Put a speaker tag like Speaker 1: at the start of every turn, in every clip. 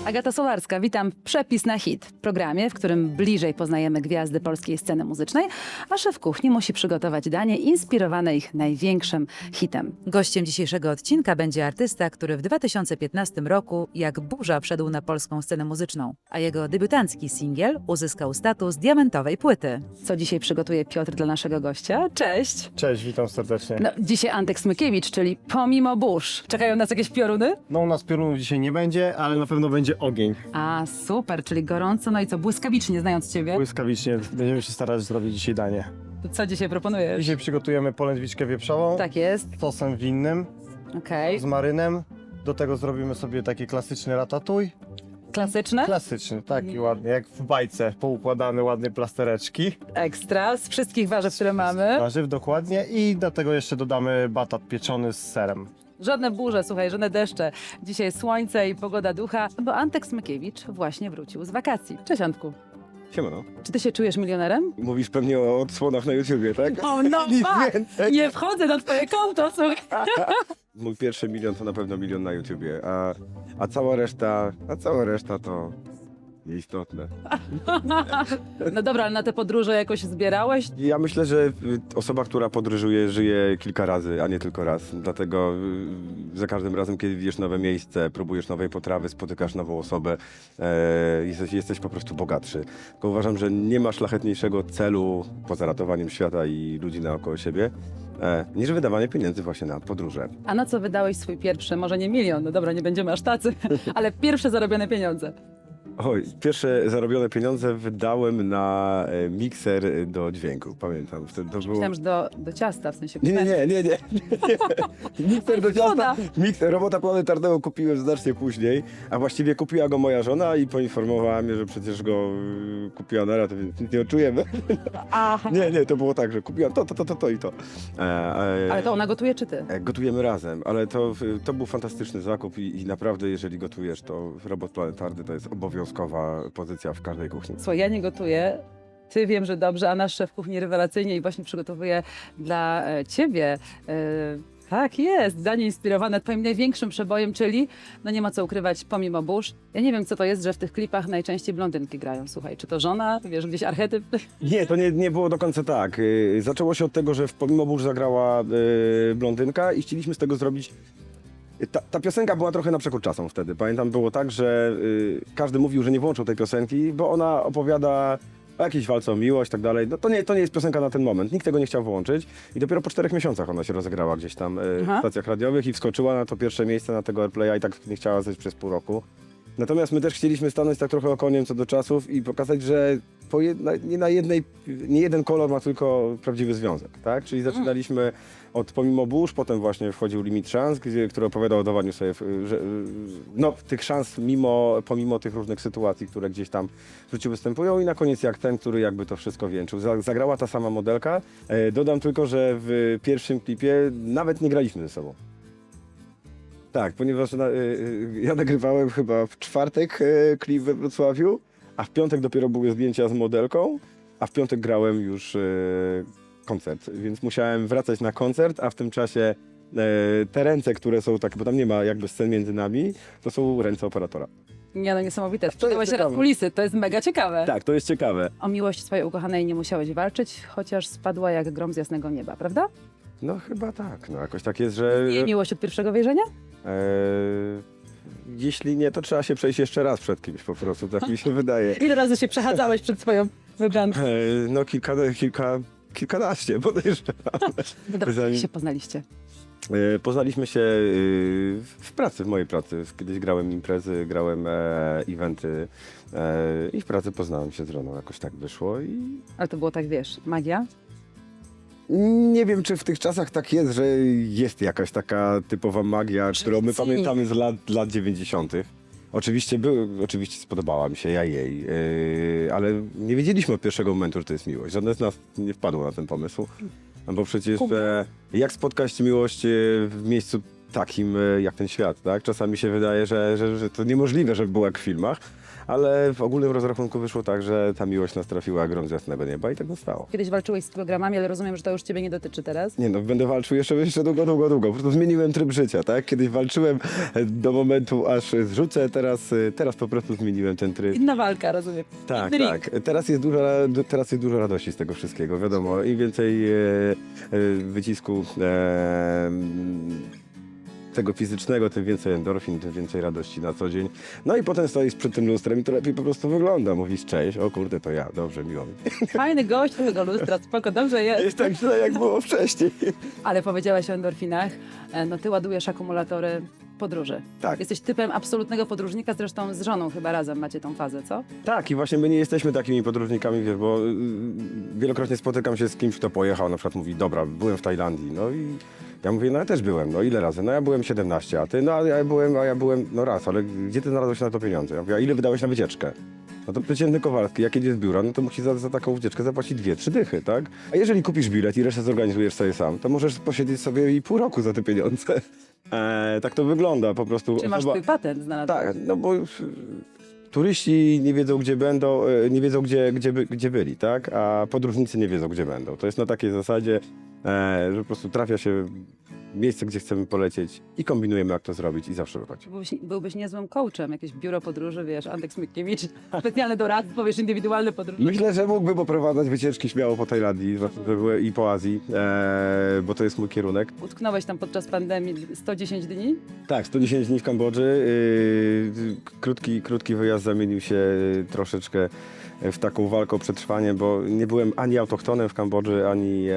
Speaker 1: Agata Solarska, witam w Przepis na hit, programie, w którym bliżej poznajemy gwiazdy polskiej sceny muzycznej, a szef kuchni musi przygotować danie inspirowane ich największym hitem.
Speaker 2: Gościem dzisiejszego odcinka będzie artysta, który w 2015 roku jak burza wszedł na polską scenę muzyczną, a jego debiutancki singiel uzyskał status diamentowej płyty.
Speaker 1: Co dzisiaj przygotuje Piotr dla naszego gościa? Cześć!
Speaker 3: Cześć, witam serdecznie.
Speaker 1: No, dzisiaj Antek Smykiewicz, czyli pomimo burz. Czekają nas jakieś pioruny?
Speaker 3: No u nas piorunów dzisiaj nie będzie, ale na pewno będzie ogień.
Speaker 1: A, super, czyli gorąco, no i co, błyskawicznie znając Ciebie?
Speaker 3: Błyskawicznie będziemy się starać zrobić dzisiaj danie.
Speaker 1: To co dzisiaj proponujesz?
Speaker 3: Dzisiaj przygotujemy polędwiczkę wieprzową
Speaker 1: Tak jest,
Speaker 3: z sosem winnym,
Speaker 1: okej.
Speaker 3: z marynem. Do tego zrobimy sobie taki klasyczny ratatouille.
Speaker 1: Klasyczne?
Speaker 3: Klasyczny, taki ładny, jak w bajce, poukładane ładne plastereczki.
Speaker 1: Ekstra, z wszystkich warzyw, które mamy.
Speaker 3: Warzyw dokładnie i do tego jeszcze dodamy batat pieczony z serem.
Speaker 1: Żadne burze, słuchaj, żadne deszcze. Dzisiaj słońce i pogoda ducha, bo Antek Smykiewicz właśnie wrócił z wakacji. Cześć Antku.
Speaker 4: Siemano.
Speaker 1: Czy ty się czujesz milionerem?
Speaker 4: Mówisz pewnie o odsłonach na YouTubie, tak?
Speaker 1: O no
Speaker 4: Nic
Speaker 1: tak!
Speaker 4: więcej.
Speaker 1: Nie wchodzę na twoje konto, słuchaj.
Speaker 4: Mój pierwszy milion to na pewno milion na YouTubie, a cała reszta to nieistotne.
Speaker 1: No dobra, ale na te podróże jakoś zbierałeś?
Speaker 4: Ja myślę, że osoba, która podróżuje, żyje kilka razy, a nie tylko raz. Dlatego za każdym razem, kiedy widzisz nowe miejsce, próbujesz nowej potrawy, spotykasz nową osobę, jesteś po prostu bogatszy. Tylko uważam, że nie ma szlachetniejszego celu poza ratowaniem świata i ludzi naokoło siebie, niż wydawanie pieniędzy właśnie na podróże.
Speaker 1: A na co wydałeś swój pierwszy, może nie milion, no dobra, nie będziemy aż tacy, ale pierwsze zarobione pieniądze?
Speaker 4: Oj, pierwsze zarobione pieniądze wydałem na mikser do dźwięku, pamiętam. Wtedy to było...
Speaker 1: Myślałam, że do ciasta, w sensie...
Speaker 4: Nie. Mikser do
Speaker 1: Szkoda.
Speaker 4: ciasta. Robota planetarnego kupiłem znacznie później, a właściwie kupiła go moja żona i poinformowała mnie, że przecież go kupiła na ratę, więc nic nie odczujemy.
Speaker 1: Aha.
Speaker 4: Nie, to było tak, że kupiła to i to.
Speaker 1: Ale to ona gotuje, czy ty?
Speaker 4: Gotujemy razem, ale to był fantastyczny zakup i naprawdę, jeżeli gotujesz, to robot planetarny to jest obowiązkowa pozycja w każdej kuchni.
Speaker 1: Słuchaj, ja nie gotuję, ty wiem, że dobrze, a nasz szef kuchni rewelacyjnie i właśnie przygotowuje dla ciebie. Tak jest, danie inspirowane twoim największym przebojem, czyli, no nie ma co ukrywać, pomimo burz. Ja nie wiem, co to jest, że w tych klipach najczęściej blondynki grają. Słuchaj, czy to żona, wiesz, gdzieś archetyp?
Speaker 4: Nie, to nie było do końca tak. Zaczęło się od tego, że w Pomimo burz zagrała blondynka i chcieliśmy z tego zrobić... Ta piosenka była trochę na przekór czasom wtedy. Pamiętam, było tak, że każdy mówił, że nie włączył tej piosenki, bo ona opowiada o jakiejś walce o miłość i tak dalej. No to nie jest piosenka na ten moment. Nikt tego nie chciał włączyć i dopiero po 4 miesiącach ona się rozegrała gdzieś tam w stacjach radiowych i wskoczyła na to pierwsze miejsce na tego Airplaya i tak nie chciała zejść przez pół roku. Natomiast my też chcieliśmy stanąć tak trochę okoniem co do czasów i pokazać, że nie jeden kolor ma tylko prawdziwy związek, tak? Czyli zaczynaliśmy od Pomimo burz, potem właśnie wchodził Limit Szans, który opowiadał o dawaniu sobie tych szans pomimo tych różnych sytuacji, które gdzieś tam w życiu występują i na koniec jak ten, który jakby to wszystko wieńczył. Zagrała ta sama modelka. Dodam tylko, że w pierwszym klipie nawet nie graliśmy ze sobą. Tak, ponieważ ja nagrywałem chyba w czwartek klip we Wrocławiu, a w piątek dopiero były zdjęcia z modelką, a w piątek grałem już koncert, więc musiałem wracać na koncert, a w tym czasie te ręce, które są takie, bo tam nie ma jakby scen między nami, to są ręce operatora.
Speaker 1: Nie no, niesamowite. Sprzedałeś teraz
Speaker 4: ciekawe.
Speaker 1: kulisy, to jest mega ciekawe.
Speaker 4: Tak, to jest ciekawe.
Speaker 1: O miłość swojej ukochanej nie musiałeś walczyć, chociaż spadła jak grom z jasnego nieba, prawda?
Speaker 4: No chyba tak, no jakoś tak jest, że...
Speaker 1: Nie miłość od pierwszego wejrzenia?
Speaker 4: Jeśli nie, to trzeba się przejść jeszcze raz przed kimś po prostu, tak mi się wydaje.
Speaker 1: Ile razy się przechadzałeś przed swoją wybranką?
Speaker 4: No kilkanaście, podejrzewam.
Speaker 1: Dobrze, się poznaliście.
Speaker 4: Poznaliśmy się w pracy, w mojej pracy. Kiedyś grałem imprezy, grałem eventy i w pracy poznałem się z żoną. Jakoś tak wyszło i
Speaker 1: Ale to było tak, wiesz, magia?
Speaker 4: nie wiem, czy w tych czasach tak jest, że jest jakaś taka typowa magia, którą my
Speaker 1: Szybcy.
Speaker 4: pamiętamy z lat 90. Oczywiście spodobała mi się, ja jej, ale nie wiedzieliśmy od pierwszego momentu, że to jest miłość. Żadne z nas nie wpadło na ten pomysł, bo przecież jak spotkać miłość w miejscu takim jak ten świat, tak? Czasami się wydaje, że to niemożliwe, żeby było jak w filmach, ale w ogólnym rozrachunku wyszło tak, że ta miłość nas trafiła jak grom z jasnego nieba i tak zostało.
Speaker 1: Kiedyś walczyłeś z programami, ale rozumiem, że to już ciebie nie dotyczy teraz.
Speaker 4: Nie no, będę walczył jeszcze długo. Po prostu zmieniłem tryb życia, tak? Kiedyś walczyłem do momentu, aż zrzucę, teraz po prostu zmieniłem ten tryb.
Speaker 1: Inna walka, rozumiem.
Speaker 4: Tak,
Speaker 1: Inny
Speaker 4: tak. Teraz jest dużo radości z tego wszystkiego, wiadomo. Im więcej wycisku tego fizycznego, tym więcej endorfin, tym więcej radości na co dzień. No i potem stoisz przed tym lustrem i to lepiej po prostu wygląda. Mówisz cześć, o kurde, to ja, dobrze, miło mi.
Speaker 1: Fajny gość tego lustra, spoko, dobrze jest.
Speaker 4: Jest tak źle, jak było wcześniej.
Speaker 1: Ale powiedziałaś o endorfinach, no ty ładujesz akumulatory podróży.
Speaker 4: Tak.
Speaker 1: Jesteś typem absolutnego podróżnika, zresztą z żoną chyba razem macie tą fazę, co?
Speaker 4: Tak, i właśnie my nie jesteśmy takimi podróżnikami, wiesz, bo wielokrotnie spotykam się z kimś, kto pojechał, na przykład mówi, dobra, byłem w Tajlandii, no i ja mówię, no ja też byłem, no ile razy? No ja byłem 17, a ty? No a ja byłem, no raz, ale gdzie ty znalazłeś na to pieniądze? Ja mówię, a ile wydałeś na wycieczkę? No to przeciętny Kowalski, jak jedzie z biura, no to musi za taką wycieczkę zapłacić 2-3 dychy, tak? A jeżeli kupisz bilet i resztę zorganizujesz sobie sam, to możesz posiedzieć sobie i pół roku za te pieniądze. Tak to wygląda po prostu.
Speaker 1: Czy masz swój patent znalazłeś?
Speaker 4: Tak, no bo turyści nie wiedzą, gdzie będą, nie wiedzą, gdzie byli, tak? A podróżnicy nie wiedzą, gdzie będą. To jest na takiej zasadzie, że po prostu trafia się miejsce, gdzie chcemy polecieć i kombinujemy, jak to zrobić i zawsze wychodzi.
Speaker 1: Byłbyś niezłym coachem, jakieś biuro podróży, wiesz, Andek Smykiewicz, specjalne doradztwo, wiesz, indywidualne podróże.
Speaker 4: Myślę, że mógłbym poprowadzać wycieczki śmiało po Tajlandii i po Azji, bo to jest mój kierunek.
Speaker 1: Utknąłeś tam podczas pandemii 110 dni?
Speaker 4: Tak, 110 dni w Kambodży. Krótki wyjazd zamienił się troszeczkę w taką walkę o przetrwanie, bo nie byłem ani autochtonem w Kambodży,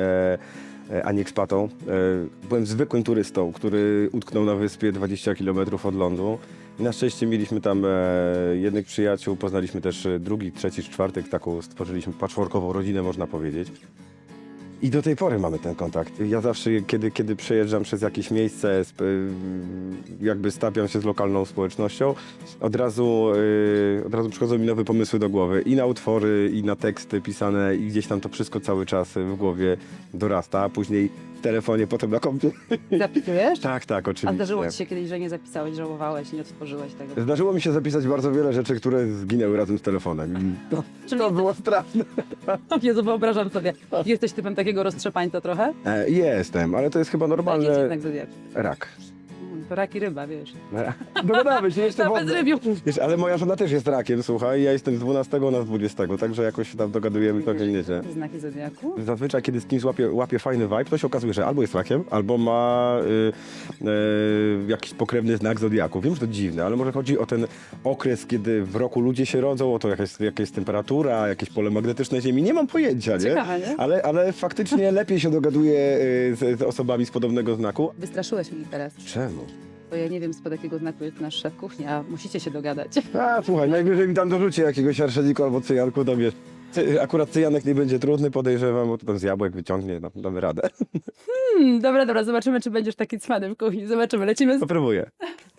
Speaker 4: ani ekspatą. Byłem zwykłym turystą, który utknął na wyspie 20 km od lądu. I na szczęście mieliśmy tam jednych przyjaciół, poznaliśmy też drugi, trzeci, czwartek, taką stworzyliśmy patchworkową rodzinę, można powiedzieć. I do tej pory mamy ten kontakt. Ja zawsze, kiedy przejeżdżam przez jakieś miejsce, jakby stapiam się z lokalną społecznością, od razu przychodzą mi nowe pomysły do głowy. I na utwory, i na teksty pisane, i gdzieś tam to wszystko cały czas w głowie dorasta, a później w telefonie, potem na kompie.
Speaker 1: Zapisujesz?
Speaker 4: Tak, oczywiście.
Speaker 1: A zdarzyło ci się kiedyś, że nie zapisałeś, żałowałeś, nie odtworzyłeś tego?
Speaker 4: Zdarzyło mi się zapisać bardzo wiele rzeczy, które zginęły razem z telefonem.
Speaker 1: Czyli
Speaker 4: To było straszne.
Speaker 1: Jezu, wyobrażam sobie. Jesteś typem takiego roztrzepańca trochę?
Speaker 4: Jestem, ale to jest chyba
Speaker 1: Jaki
Speaker 4: normalne.
Speaker 1: znak zodiaku?
Speaker 4: Rak.
Speaker 1: To rak i ryba, wiesz.
Speaker 4: Dogadamy się jeszcze
Speaker 1: Na
Speaker 4: wodne.
Speaker 1: bezrybiu.
Speaker 4: Wiesz, ale moja żona też jest rakiem, słuchaj, ja jestem z 12, ona z 20, także jakoś się tam dogadujemy całkiem nieźle.
Speaker 1: Znaki zodiaku?
Speaker 4: Zazwyczaj, kiedy z kimś łapie fajny vibe, to się okazuje, że albo jest rakiem, albo ma jakiś pokrewny znak zodiaku. Wiem, że to dziwne, ale może chodzi o ten okres, kiedy w roku ludzie się rodzą, o to jaka jest temperatura, jakieś pole magnetyczne Ziemi, nie mam pojęcia, nie?
Speaker 1: Ciekawe, nie?
Speaker 4: Ale faktycznie lepiej się dogaduję z osobami z podobnego znaku.
Speaker 1: Wystraszyłeś mnie teraz.
Speaker 4: Czemu?
Speaker 1: Bo ja nie wiem, spod jakiego znaku jest nasz szef kuchni, a musicie się dogadać.
Speaker 4: A, słuchaj, najwyżej mi tam dorzucie jakiegoś arszeniku albo cyjanku, tam wiesz. Akurat cyjanek nie będzie trudny, podejrzewam, bo to tam z jabłek wyciągnie, damy radę.
Speaker 1: Dobra, zobaczymy, czy będziesz taki cwany w kuchni. Zobaczymy, lecimy z...
Speaker 4: Popróbuję.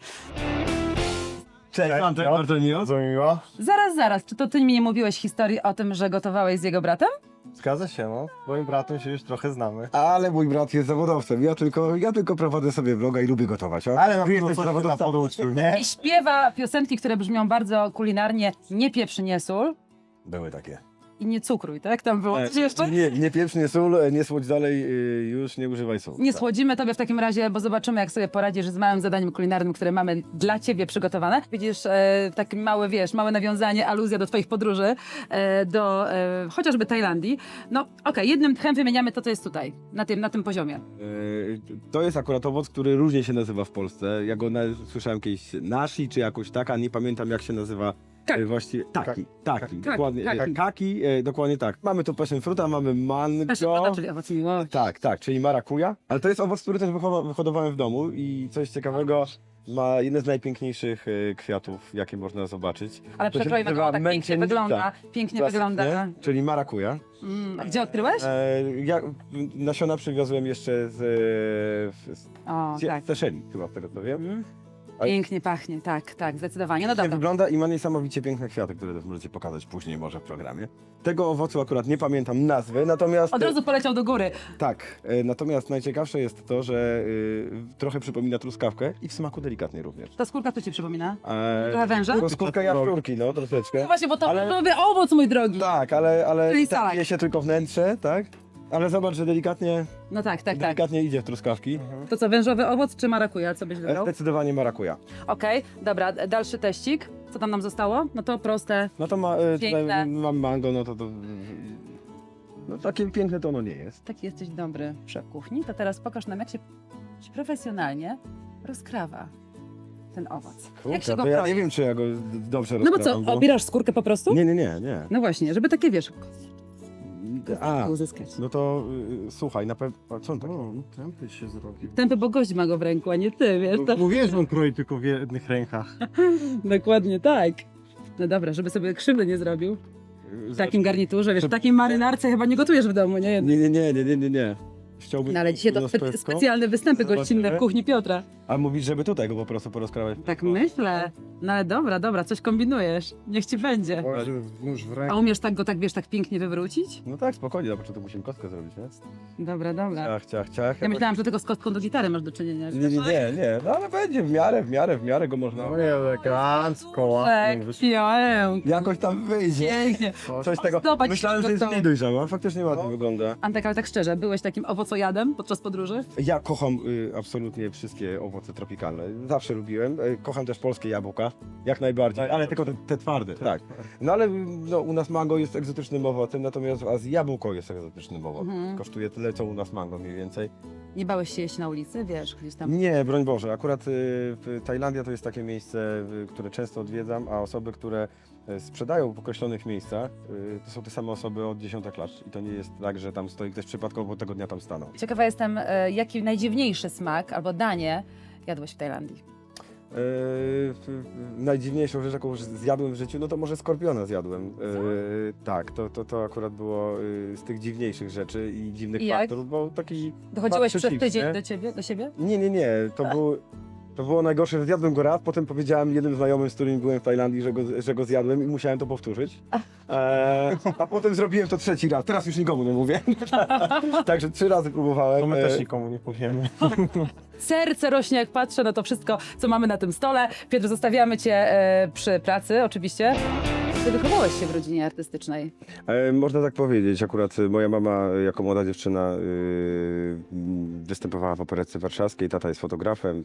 Speaker 4: Cześć, Antek, bardzo miło.
Speaker 3: Bardzo miło.
Speaker 1: Zaraz, czy to ty mi nie mówiłeś historii o tym, że gotowałeś z jego bratem?
Speaker 3: Zgadza się, no. Z moim bratem się już trochę znamy.
Speaker 4: Ale mój brat jest zawodowcem, ja tylko prowadzę sobie vloga i lubię gotować. O?
Speaker 3: Ale na
Speaker 4: Ty
Speaker 3: pewno
Speaker 4: jesteś
Speaker 3: coś
Speaker 4: zawodowcem.
Speaker 3: tam poduczył, nie?
Speaker 1: I śpiewa piosenki, które brzmią bardzo kulinarnie, nie pieprz, nie sól
Speaker 4: Były takie.
Speaker 1: i nie cukruj, tak? Tam było coś jeszcze?
Speaker 4: Nie pieprz, nie sól, nie słodź dalej, już nie używaj sól.
Speaker 1: Nie słodzimy tobie w takim razie, bo zobaczymy, jak sobie poradzisz z małym zadaniem kulinarnym, które mamy dla ciebie przygotowane. Widzisz, takie małe, małe nawiązanie, aluzja do twoich podróży, do chociażby Tajlandii. No, okej, jednym tchem wymieniamy to, co jest tutaj, na tym poziomie.
Speaker 4: To jest akurat owoc, który różnie się nazywa w Polsce. Ja go słyszałem kiedyś nashi, czy jakoś tak, a nie pamiętam jak się nazywa.
Speaker 1: Kaki.
Speaker 4: Właściwie taki, dokładnie.
Speaker 1: Kaki.
Speaker 4: Kaki, dokładnie tak. Mamy tu passion fruta, mamy mango.
Speaker 1: Passion, czyli owoc miłości.
Speaker 4: Tak, czyli marakuja. Ale to jest owoc, który też wyhodowałem w domu i coś ciekawego, ma jeden z najpiękniejszych kwiatów, jakie można zobaczyć.
Speaker 1: Ale
Speaker 4: To się
Speaker 1: przekrojmy
Speaker 4: nazywa
Speaker 1: go, tak pięknie
Speaker 4: męczennica.
Speaker 1: wygląda, pięknie wygląda.
Speaker 4: Nie? Czyli marakuja.
Speaker 1: A gdzie odkryłeś?
Speaker 4: Ja nasiona przywiozłem jeszcze z
Speaker 1: O, tak.
Speaker 4: Seszeli, chyba z tego co wiem. A-
Speaker 1: Pięknie pachnie, tak, tak, zdecydowanie. No
Speaker 4: Nie
Speaker 1: dobra.
Speaker 4: wygląda i ma niesamowicie piękne kwiaty, które też możecie pokazać później może w programie. Tego owocu akurat nie pamiętam nazwy, natomiast...
Speaker 1: Od razu poleciał do góry.
Speaker 4: Tak, natomiast najciekawsze jest to, że trochę przypomina truskawkę i w smaku delikatnie również.
Speaker 1: Ta skórka co ci przypomina?
Speaker 4: E,
Speaker 1: Trochę węża?
Speaker 4: no, skórka jaszczurki, no troszeczkę.
Speaker 1: No właśnie, bo to
Speaker 4: Ale-
Speaker 1: nowy owoc, mój drogi.
Speaker 4: Tak, ale
Speaker 1: Czyli salak.
Speaker 4: je się tylko wnętrze, tak? Ale zobacz, że delikatnie,
Speaker 1: No tak, tak, tak.
Speaker 4: delikatnie idzie w truskawki.
Speaker 1: To co, wężowy owoc czy marakuja? Co byś wybrał?
Speaker 4: Zdecydowanie marakuja.
Speaker 1: Okej, dobra, dalszy teścik. Co tam nam zostało? No to proste.
Speaker 4: No to
Speaker 1: Piękne.
Speaker 4: tutaj mam mango, no to no takie piękne to ono nie jest.
Speaker 1: Taki jesteś dobry w kuchni, to teraz pokaż nam, jak się profesjonalnie rozkrawa ten owoc. Jak się go
Speaker 4: to ja
Speaker 1: kroi?
Speaker 4: nie wiem, czy ja go dobrze
Speaker 1: No bo
Speaker 4: rozprawiam,
Speaker 1: co, obierasz skórkę po prostu?
Speaker 4: Nie.
Speaker 1: No właśnie, żeby takie, wiesz,
Speaker 4: A,
Speaker 1: uzyskać.
Speaker 4: no to słuchaj, na pewno... Co on tak?
Speaker 3: Tępy się zrobi.
Speaker 1: Tępy, bo gość ma go w ręku, a nie ty, wiesz. To...
Speaker 3: Mówię, że on kroi tylko w jednych rękach.
Speaker 1: Dokładnie tak. No dobra, żeby sobie krzywdy nie zrobił. W takim garniturze, wiesz, w takiej marynarce chyba nie gotujesz w domu, nie?
Speaker 4: Nie. Chciałbym...
Speaker 1: No ale dzisiaj to
Speaker 4: na pewno.
Speaker 1: specjalne występy gościnne w
Speaker 4: Zobaczymy.
Speaker 1: kuchni Piotra.
Speaker 4: A mówisz, żeby tutaj go po prostu porozkrawać?
Speaker 1: Tak myślę. No ale dobra, coś kombinujesz. Niech ci będzie.
Speaker 3: Nóż w
Speaker 1: A
Speaker 3: ręku.
Speaker 1: umiesz tak go, tak wiesz, tak pięknie wywrócić?
Speaker 4: No tak, spokojnie, na początku musimy kostkę zrobić, nie?
Speaker 1: Dobra.
Speaker 4: Ciach.
Speaker 1: Ja myślałam, że tylko z kostką do gitary masz do czynienia.
Speaker 4: Nie, no ale będzie w miarę go można...
Speaker 3: No nie, elegancko, ładnie.
Speaker 4: Jakoś tam wyjdzie.
Speaker 1: Pięknie.
Speaker 4: Coś z tego.
Speaker 1: Zobacz,
Speaker 4: Myślałem, że jest
Speaker 1: gotowe.
Speaker 4: mniej dojrzała, faktycznie ładnie wygląda.
Speaker 1: Antek, ale tak szczerze, byłeś takim owocojadem podczas podróży?
Speaker 4: Ja kocham absolutnie wszystkie owoce tropikalne. Zawsze lubiłem. Kocham też polskie jabłka, jak najbardziej, ale tylko te twarde, tak. No ale no, u nas mango jest egzotycznym owocem, natomiast w Azji jabłko jest egzotycznym owocem.
Speaker 1: Mhm.
Speaker 4: Kosztuje tyle, co u nas mango mniej więcej.
Speaker 1: Nie bałeś się jeść na ulicy, wiesz, gdzieś tam?
Speaker 4: Nie, broń Boże. Akurat Tajlandia to jest takie miejsce, które często odwiedzam, a osoby, które sprzedają w określonych miejscach, to są te same osoby od dziesiątek lat. I to nie jest tak, że tam stoi ktoś przypadkowo, bo tego dnia tam stanął.
Speaker 1: Ciekawa jestem, jaki najdziwniejszy smak albo danie jadłeś w Tajlandii?
Speaker 4: Najdziwniejszą rzecz, jaką zjadłem w życiu, no to może skorpiona zjadłem. Tak, to akurat było z tych dziwniejszych rzeczy i dziwnych
Speaker 1: I jak?
Speaker 4: faktorów, bo taki...
Speaker 1: Dochodziłeś
Speaker 4: Fakt
Speaker 1: przez
Speaker 4: chips,
Speaker 1: tydzień
Speaker 4: nie?
Speaker 1: do siebie?
Speaker 4: Nie, to było najgorsze, że zjadłem go raz, potem powiedziałem jednym znajomym, z którymi byłem w Tajlandii, że go zjadłem i musiałem to powtórzyć. A potem zrobiłem to trzeci raz, teraz już nikomu nie mówię. Także 3 razy próbowałem.
Speaker 3: To my też nikomu nie powiemy.
Speaker 1: Serce rośnie, jak patrzę na to wszystko, co mamy na tym stole. Piotr, zostawiamy cię przy pracy, oczywiście. Ty wychowałeś się w rodzinie artystycznej.
Speaker 4: Można tak powiedzieć. Akurat moja mama jako młoda dziewczyna występowała w Operetce Warszawskiej. Tata jest fotografem,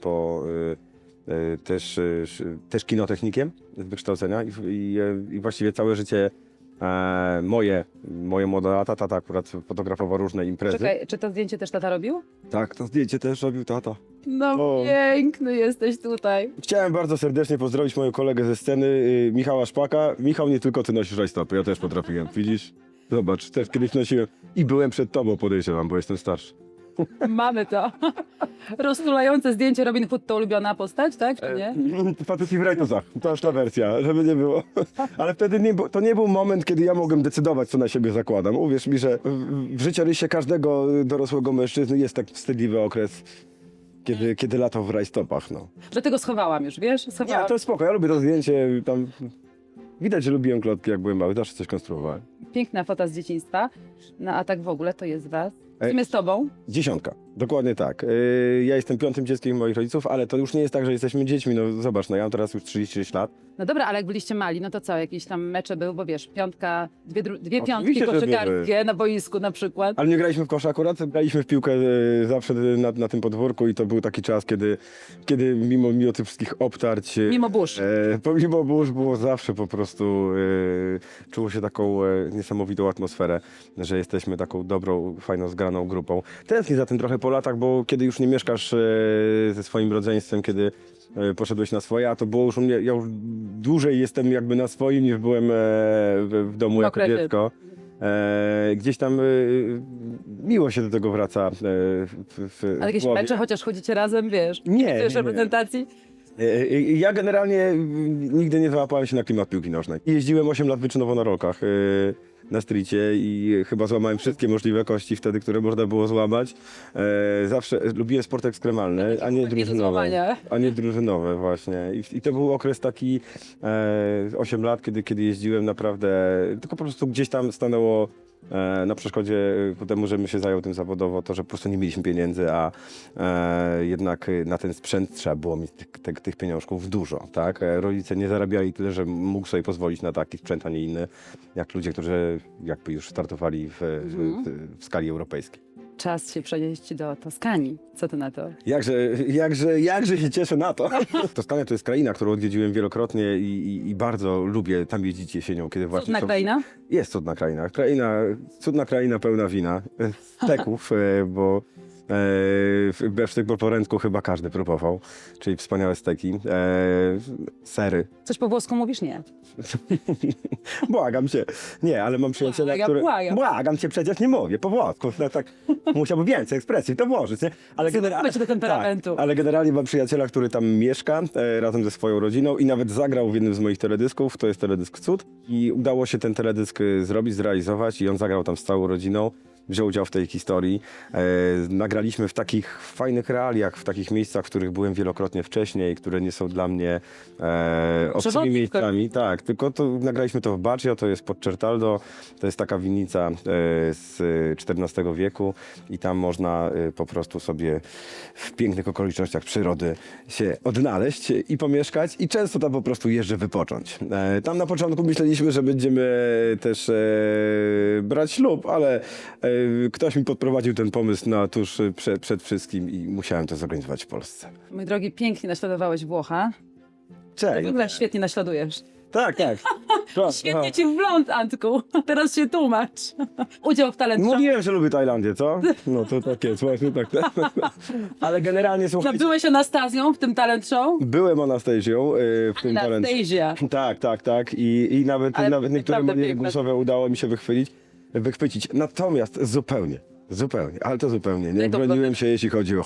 Speaker 4: też kinotechnikiem z wykształcenia i właściwie całe życie moje młode lata. Tata akurat fotografował różne imprezy.
Speaker 1: Czekaj, czy to zdjęcie też tata robił?
Speaker 4: Tak, to zdjęcie też robił tata.
Speaker 1: No
Speaker 4: O.
Speaker 1: piękny jesteś tutaj.
Speaker 4: Chciałem bardzo serdecznie pozdrowić mojego kolegę ze sceny, Michała Szpaka. Michał, nie tylko ty nosisz rajstopy, ja też potrafiłem, widzisz? Zobacz, też kiedyś nosiłem i byłem przed tobą, podejrzewam, bo jestem starszy.
Speaker 1: Mamy to. Roztulające zdjęcie Robin Hood to ulubiona postać, tak? Czy nie?
Speaker 4: Faceci w rajtuzach, to już ta wersja, żeby nie było. Ale wtedy to nie był moment, kiedy ja mogłem decydować, co na siebie zakładam. Uwierz mi, że w życiorysie każdego dorosłego mężczyzny jest taki wstydliwy okres, kiedy latał w rajstopach, no.
Speaker 1: Dlatego schowałam już, wiesz?
Speaker 4: Nie,
Speaker 1: Schowałam.
Speaker 4: to spoko, ja lubię to zdjęcie, tam... Widać, że lubiłem klotki, jak byłem mały, zawsze coś konstruowałem.
Speaker 1: Piękna fota z dzieciństwa. No a tak w ogóle to jest was.
Speaker 4: Ej.
Speaker 1: Z kim jest tobą?
Speaker 4: 10, dokładnie tak. Ja jestem 5. dzieckiem moich rodziców, ale to już nie jest tak, że jesteśmy dziećmi. No zobacz, no ja mam teraz już 36 lat.
Speaker 1: No dobra, ale jak byliście mali, no to co? Jakieś tam mecze były, bo wiesz, piątka, dwie piątki
Speaker 4: Oczywiście, że
Speaker 1: koszykarskie na boisku na przykład.
Speaker 4: Ale nie graliśmy w kosz akurat, graliśmy w piłkę zawsze na tym podwórku i to był taki czas, kiedy mimo tych wszystkich obtarć...
Speaker 1: Mimo burz.
Speaker 4: Pomimo burz było zawsze po prostu, czuło się taką niesamowitą atmosferę, że jesteśmy taką dobrą, fajną, zgraną grupą. Tęsknię za tym trochę po latach, bo kiedy już nie mieszkasz ze swoim rodzeństwem, kiedy poszedłeś na swoje, a to było już u mnie, ja już dłużej jestem jakby na swoim niż byłem w domu jako
Speaker 1: okresie.
Speaker 4: dziecko. Gdzieś tam miło się do tego wraca
Speaker 1: A jakieś
Speaker 4: głowie.
Speaker 1: mecze, chociaż chodzicie razem, wiesz?
Speaker 4: Nie,
Speaker 1: Chcesz
Speaker 4: nie.
Speaker 1: reprezentacji?
Speaker 4: Ja generalnie nigdy nie załapałem się na klimat piłki nożnej. Jeździłem 8 lat wyczynowo na rolkach. na streetie i chyba złamałem wszystkie możliwe kości wtedy, które można było złamać. Zawsze lubiłem sport ekstremalny, a nie
Speaker 1: Takie do
Speaker 4: drużynowe.
Speaker 1: złamania.
Speaker 4: A nie drużynowe właśnie. I to był okres taki 8 lat, kiedy jeździłem naprawdę, tylko po prostu gdzieś tam stanęło na przeszkodzie ku temu, żebym się zajął tym zawodowo, to, że po prostu nie mieliśmy pieniędzy, a jednak na ten sprzęt trzeba było mieć tych pieniążków dużo, tak? Rodzice nie zarabiali tyle, że mógł sobie pozwolić na taki sprzęt, a nie inny, jak ludzie, którzy jakby już startowali w skali europejskiej.
Speaker 1: Czas się przenieść do Toskanii. Co ty na to?
Speaker 4: Jakże się cieszę na to. Toskania to jest kraina, którą odwiedziłem wielokrotnie i bardzo lubię tam jeździć jesienią, kiedy właśnie
Speaker 1: Cudna kraina?
Speaker 4: Jest cudna kraina. Cudna kraina pełna wina, steków, bo besztyk po porędku chyba każdy próbował, czyli wspaniałe steki, sery.
Speaker 1: Coś po włosku mówisz? Nie.
Speaker 4: Błagam cię. Nie, ale mam przyjaciela,
Speaker 1: Błagam,
Speaker 4: który...
Speaker 1: błagam.
Speaker 4: Błagam cię, przecież nie mówię po włosku. No, tak, musiałbym więcej ekspresji w to włożyć, nie? Ale
Speaker 1: Zobaczmy do temperamentu.
Speaker 4: Tak, ale generalnie mam przyjaciela, który tam mieszka razem ze swoją rodziną i nawet zagrał w jednym z moich teledysków, to jest teledysk Cud. I udało się ten teledysk zrobić, zrealizować i on zagrał tam z całą rodziną. Wziął udział w tej historii. Nagraliśmy w takich fajnych realiach, w takich miejscach, w których byłem wielokrotnie wcześniej, które nie są dla mnie obcymi
Speaker 1: Przewodnik.
Speaker 4: miejscami. Tak, tylko nagraliśmy to w Baggio, to jest pod Certaldo, to jest taka winnica z XIV wieku i tam można po prostu sobie w pięknych okolicznościach przyrody się odnaleźć i pomieszkać i często tam po prostu jeżdżę wypocząć. Tam na początku myśleliśmy, że będziemy też brać ślub, ale ktoś mi podprowadził ten pomysł na tuż przed wszystkim i musiałem to zorganizować w Polsce.
Speaker 1: Mój drogi, pięknie naśladowałeś Włocha. W
Speaker 4: Cześć.
Speaker 1: ogóle świetnie naśladujesz.
Speaker 4: Tak, tak.
Speaker 1: Świetnie ci wgląd, Antku. Teraz się tłumacz. Udział w talent show.
Speaker 4: Mówiłem, że lubię Tajlandię, co? No to tak jest, właśnie tak. Ale generalnie słuchajcie,
Speaker 1: Byłeś Anastazją w tym talent show?
Speaker 4: byłem Anastazją w tym talencie.
Speaker 1: Anastazja.
Speaker 4: Tak. I nawet
Speaker 1: Ale
Speaker 4: niektóre
Speaker 1: naprawdę
Speaker 4: moje
Speaker 1: piękne.
Speaker 4: głosowe udało mi się wychwycić. Natomiast zupełnie, ale to zupełnie. Nie
Speaker 1: to
Speaker 4: broniłem się, jeśli chodzi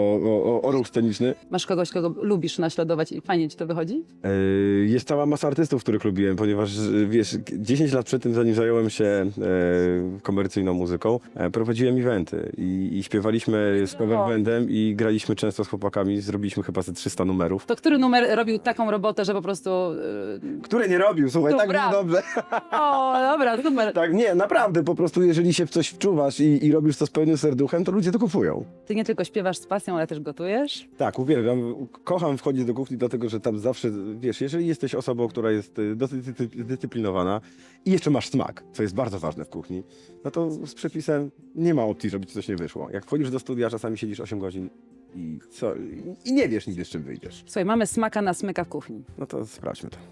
Speaker 4: o ruch sceniczny.
Speaker 1: Masz kogoś, kogo lubisz naśladować i fajnie ci to wychodzi?
Speaker 4: Jest cała masa artystów, których lubiłem, ponieważ wiesz, 10 lat przed tym, zanim zająłem się komercyjną muzyką, prowadziłem eventy i śpiewaliśmy z cover bandem i graliśmy często z chłopakami, zrobiliśmy chyba ze 300 numerów.
Speaker 1: To który numer robił taką robotę, że po prostu...
Speaker 4: Które nie robił, słuchaj,
Speaker 1: To
Speaker 4: tak
Speaker 1: brawo.
Speaker 4: było dobrze.
Speaker 1: O, dobra, super.
Speaker 4: Tak, nie, naprawdę, po prostu jeżeli się w coś wczuwasz i robisz to z pełnym serduchem, to ludzie to kupują.
Speaker 1: Ty nie tylko śpiewasz z pasją, ale też gotujesz?
Speaker 4: Tak, uwielbiam, kocham wchodzić do kuchni, dlatego że tam zawsze, wiesz, jeżeli jesteś osobą, która jest dosyć zdyscyplinowana i jeszcze masz smak, co jest bardzo ważne w kuchni, no to z przepisem nie ma opcji, żeby ci coś nie wyszło. Jak wchodzisz do studia, czasami siedzisz 8 godzin i nie wiesz nigdy, z czym wyjdziesz.
Speaker 1: Słuchaj, mamy smaka na smyka w kuchni.
Speaker 4: No to sprawdźmy to.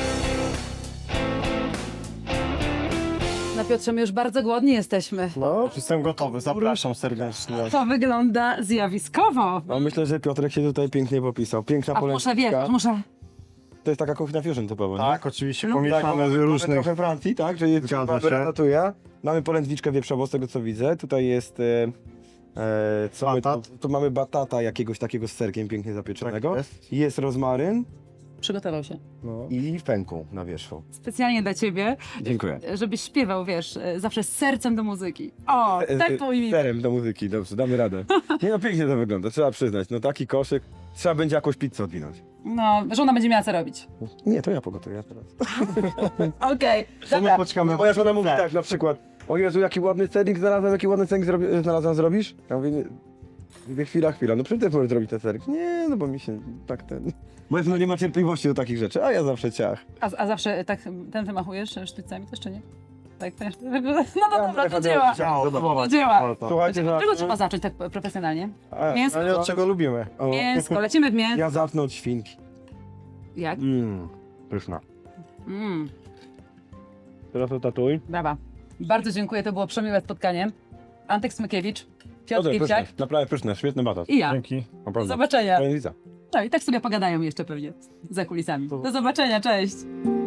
Speaker 1: No Piotrze, my już bardzo głodni jesteśmy.
Speaker 3: No, jestem gotowy, zapraszam serdecznie.
Speaker 1: To wygląda zjawiskowo.
Speaker 4: No myślę, że Piotrek się tutaj pięknie popisał. Piękna
Speaker 1: A muszę, wiesz,
Speaker 4: polędwiczka.
Speaker 1: muszę...
Speaker 4: To jest taka kuchnia fusion typowa, nie?
Speaker 3: Tak, oczywiście
Speaker 1: No.
Speaker 3: pomieszane z
Speaker 4: Mamy
Speaker 3: różnych...
Speaker 4: trochę Francji, tak? Że jest
Speaker 3: Zgadza
Speaker 4: mamy
Speaker 3: się.
Speaker 4: ratatouille. Mamy polędwiczkę wieprzową, z tego co widzę. Tutaj jest... co my tu,
Speaker 3: Batat.
Speaker 4: tu mamy batata jakiegoś takiego z serkiem pięknie zapieczonego.
Speaker 3: Tak jest.
Speaker 4: Jest rozmaryn
Speaker 1: Przygotował się.
Speaker 3: No.
Speaker 4: i fenku na wierzchu.
Speaker 1: Specjalnie dla ciebie,
Speaker 4: Dziękuję.
Speaker 1: żebyś śpiewał, wiesz, zawsze z sercem do muzyki. O, tak powinien.
Speaker 4: Serem do muzyki, dobrze, damy radę. Nie no, pięknie to wygląda, trzeba przyznać. No taki koszyk, trzeba będzie jakąś pizzę odwinąć.
Speaker 1: No, żona będzie miała co robić.
Speaker 4: Nie, to ja pogotuję teraz.
Speaker 1: Okej,
Speaker 3: To my
Speaker 1: dobra.
Speaker 3: poczekamy.
Speaker 4: Moja żona mówi tak, na przykład, o Jezu, jaki ładny sernik znalazłem, jaki ładny sernik znalazłem, zrobisz? Ja mówię, nie. Mówię, chwila, no przecież też możesz zrobić ten sernik. Nie, no bo mi się tak ten... Moja żona nie ma cierpliwości do takich rzeczy, a ja zawsze ciach.
Speaker 1: A zawsze tak ten wymachujesz sztycami też, czy nie? Tak też. No dobra, do dzieła. Do dzieła.
Speaker 4: Słuchajcie,
Speaker 1: Od czego trzeba zacząć tak profesjonalnie? Mięsko.
Speaker 3: Ale od czego lubimy?
Speaker 1: Mięsko, lecimy w mięsko.
Speaker 4: Ja zacznę od świnki.
Speaker 1: Jak?
Speaker 4: Pyszna.
Speaker 3: Teraz to tatuj.
Speaker 1: Brawa. Bardzo dziękuję, to było przemiłe spotkanie. Antek Smykiewicz, Piotr
Speaker 4: Dobrze,
Speaker 1: Kipciak
Speaker 4: pyszne, naprawdę pyszne, świetny batat.
Speaker 1: i ja.
Speaker 3: Dzięki.
Speaker 1: Do
Speaker 4: Naprawdę.
Speaker 1: zobaczenia.
Speaker 4: Polędwica.
Speaker 1: No i tak sobie pogadają jeszcze pewnie za kulisami. Do zobaczenia, cześć.